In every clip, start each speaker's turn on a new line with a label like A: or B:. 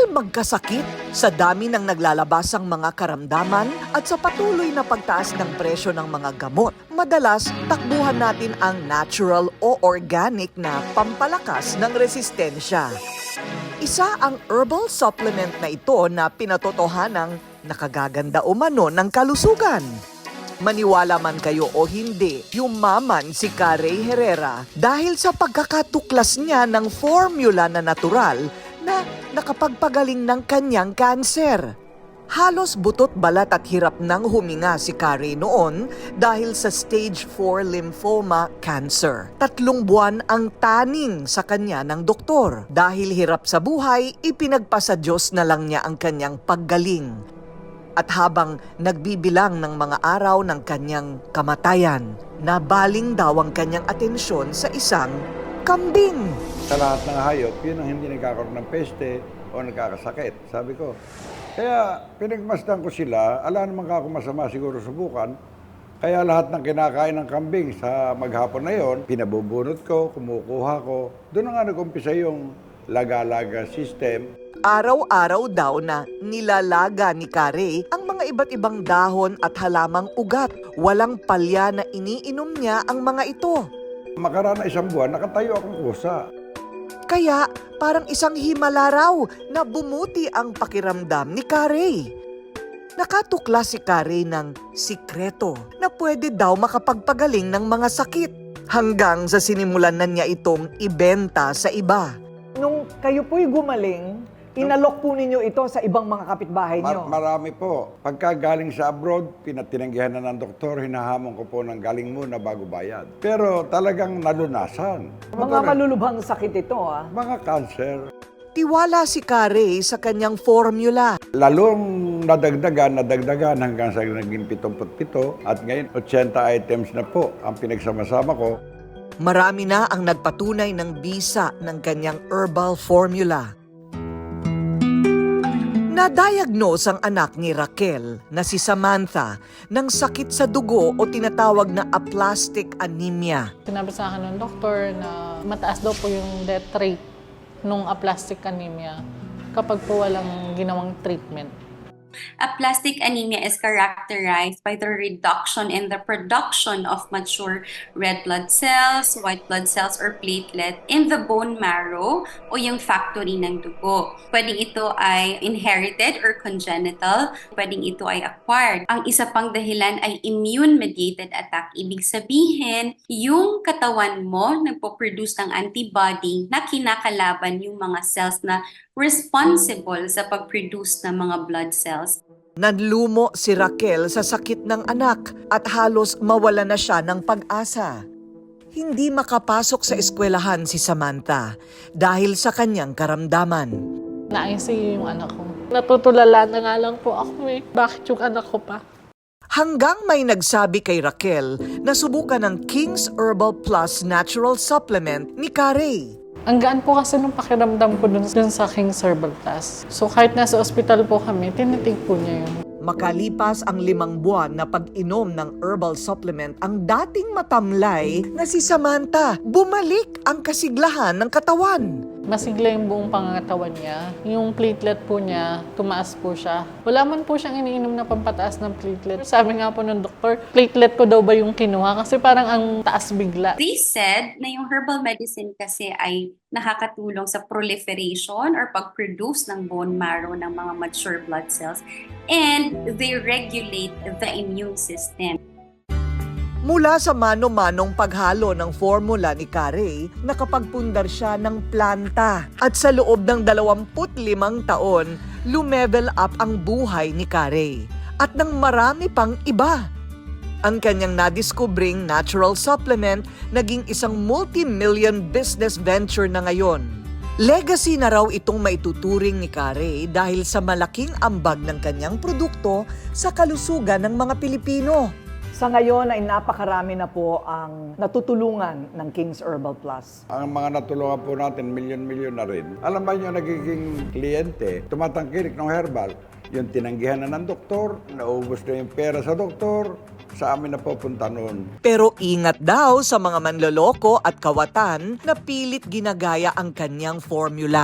A: magkasakit sa dami ng naglalabasang mga karamdaman at sa patuloy na pagtaas ng presyo ng mga gamot. Madalas, takbuhan natin ang natural o organic na pampalakas ng resistensya. Isa ang herbal supplement na ito na pinatotohanang nakagaganda umano ng kalusugan. Maniwala man kayo o hindi, yumaman si Carey Herrera dahil sa pagkakatuklas niya ng formula na natural na nakapagpagaling ng kanyang kanser. Halos butot balat at hirap nang huminga si Carey noon dahil sa stage 4 lymphoma cancer. 3 buwan ang taning sa kanya ng doktor. Dahil hirap sa buhay, ipinagpasa Diyos na lang niya ang kanyang paggaling. At habang nagbibilang ng mga araw ng kanyang kamatayan, nabaling daw ang kanyang atensyon sa isang kambing.
B: Sa lahat ng hayop, yun ang hindi nagkakaroon ng peste o nagkakasakit, sabi ko. Kaya pinagmasdan ko sila, ala naman ako masama siguro subukan. Kaya lahat ng kinakain ng kambing sa maghapon na yon, pinabubunot ko, kumukuha ko. Doon na nga nag-umpisa yung laga-laga system.
A: Araw-araw daw na nilalaga ni Carey ang mga iba't ibang dahon at halamang ugat. Walang palya na iniinom niya ang mga ito.
B: Makaraan na 1 buwan, nakatayo akong kusa.
A: Kaya parang isang himala raw na bumuti ang pakiramdam ni Carey. Nakatukla si Carey ng sikreto na pwede daw makapagpagaling ng mga sakit hanggang sa sinimulan na niya itong ibenta sa iba.
C: Nung kayo po'y gumaling, inalok po ninyo ito sa ibang mga kapitbahay nyo.
B: Marami po. Pagka galing sa abroad, tinanggihan na ng doktor, hinahamon ko po ng galing muna bago bayad. Pero talagang nalunasan.
C: Mga malulubhang sakit ito, ah.
B: Mga cancer.
A: Tiwala si Carey sa kanyang formula.
B: Lalong nadagdagan hanggang sa naging 77 at ngayon 80 items na po ang pinagsama-sama ko.
A: Marami na ang nagpatunay ng bisa ng kanyang herbal formula. Na-diagnose ang anak ni Raquel na si Samantha ng sakit sa dugo o tinatawag na aplastic anemia.
D: Sinabi sa akin ng doktor na mataas daw po yung death rate nung aplastic anemia kapag po walang ginawang treatment.
E: Aplastic anemia is characterized by the reduction in the production of mature red blood cells, white blood cells, or platelet in the bone marrow o yung factory ng dugo. Pwedeng ito ay inherited or congenital, pwedeng ito ay acquired. Ang isa pang dahilan ay immune-mediated attack. Ibig sabihin, yung katawan mo nagpo-produce ng antibody na kinakalaban yung mga cells na responsible sa pag-produce ng mga blood cells.
A: Nanlumo si Raquel sa sakit ng anak at halos mawala na siya ng pag-asa. Hindi makapasok sa eskwelahan si Samantha dahil sa kanyang karamdaman.
D: Na-ICU yung anak ko. Natutulala na nga lang po ako eh. Bakit yung anak ko pa?
A: Hanggang may nagsabi kay Raquel na subukan ng King's Herbal Plus Natural Supplement ni Carey.
D: Ang gaan po kasi nung pakiramdam ko dun sa King's Herbal Plus. So kahit nasa ospital po kami, tinitig po niya yun.
A: Makalipas ang 5 buwan na pag-inom ng herbal supplement, ang dating matamlay na si Samantha, bumalik ang kasiglahan ng katawan.
D: Masigla yung buong pangangatawan niya. Yung platelet po niya, tumaas po siya. Wala man po siyang iniinom na pampataas ng platelet. Sabi nga po ng doktor, platelet ko daw ba yung kinuha? Kasi parang ang taas bigla.
E: They said na yung herbal medicine kasi ay nakakatulong sa proliferation or pag-produce ng bone marrow ng mga mature blood cells and they regulate the immune system.
A: Mula sa mano-manong paghalo ng formula ni Carey, nakapagpundar siya ng planta. At sa loob ng 25 taon, lumevel up ang buhay ni Carey. At ng marami pang iba. Ang kanyang nadiskubring natural supplement naging isang multi-million business venture na ngayon. Legacy na raw itong maituturing ni Carey dahil sa malaking ambag ng kanyang produkto sa kalusugan ng mga Pilipino.
C: Sa ngayon ay napakarami na po ang natutulungan ng King's Herbal Plus.
B: Ang mga natulungan po natin, milyon-milyon na rin. Alam ba nyo, nagiging kliyente, tumatangkilik ng herbal. Yung tinanggihan na ng doktor, naubos na yung pera sa doktor, sa amin na pupunta noon.
A: Pero ingat daw sa mga manloloko at kawatan na pilit ginagaya ang kanyang formula.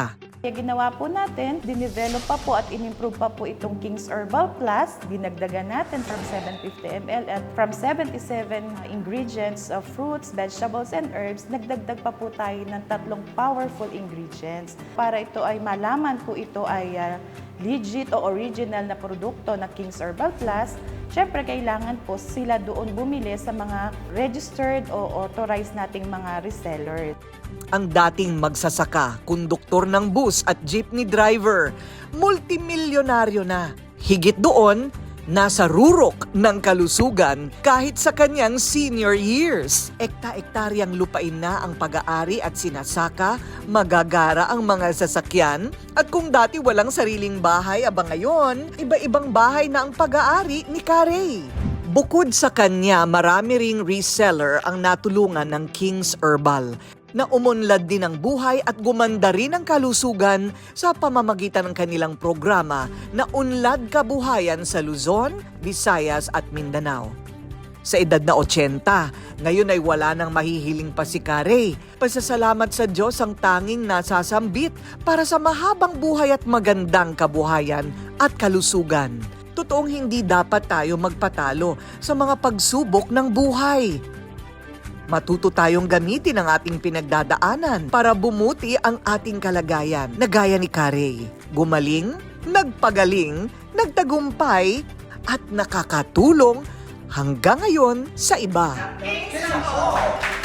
F: Kaya ginawa po natin, dinevelop pa po at inimprove pa po itong King's Herbal Plus. Dinagdagan natin from 750 ml at from 77 ingredients of fruits, vegetables, and herbs, nagdagdag pa po tayo ng 3 powerful ingredients. Para ito ay malaman po ito ay legit o original na produkto na King's Herbal Plus, syempre kailangan po sila doon bumili sa mga registered o authorized nating mga resellers.
A: Ang dating magsasaka, konduktor ng bus at jeepney driver, multimilyonaryo na. Higit doon, nasa rurok ng kalusugan kahit sa kanyang senior years. Ekta-ektaryang lupain na ang pag-aari at sinasaka, magagara ang mga sasakyan, at kung dati walang sariling bahay, aba ngayon, iba-ibang bahay na ang pag-aari ni Carey. Bukod sa kanya, marami ring reseller ang natulungan ng King's Herbal na umunlad din ang buhay at gumanda rin ang kalusugan sa pamamagitan ng kanilang programa na Unlad Kabuhayan sa Luzon, Visayas at Mindanao. Sa edad na 80, ngayon ay wala nang mahihiling pa si Carey. Pasasalamat sa Diyos ang tanging nasasambit para sa mahabang buhay at magandang kabuhayan at kalusugan. Totoong hindi dapat tayo magpatalo sa mga pagsubok ng buhay. Matuto tayong gamitin ang ating pinagdadaanan para bumuti ang ating kalagayan na gaya ni Carey. Gumaling, nagpagaling, nagtagumpay, at nakakatulong hanggang ngayon sa iba.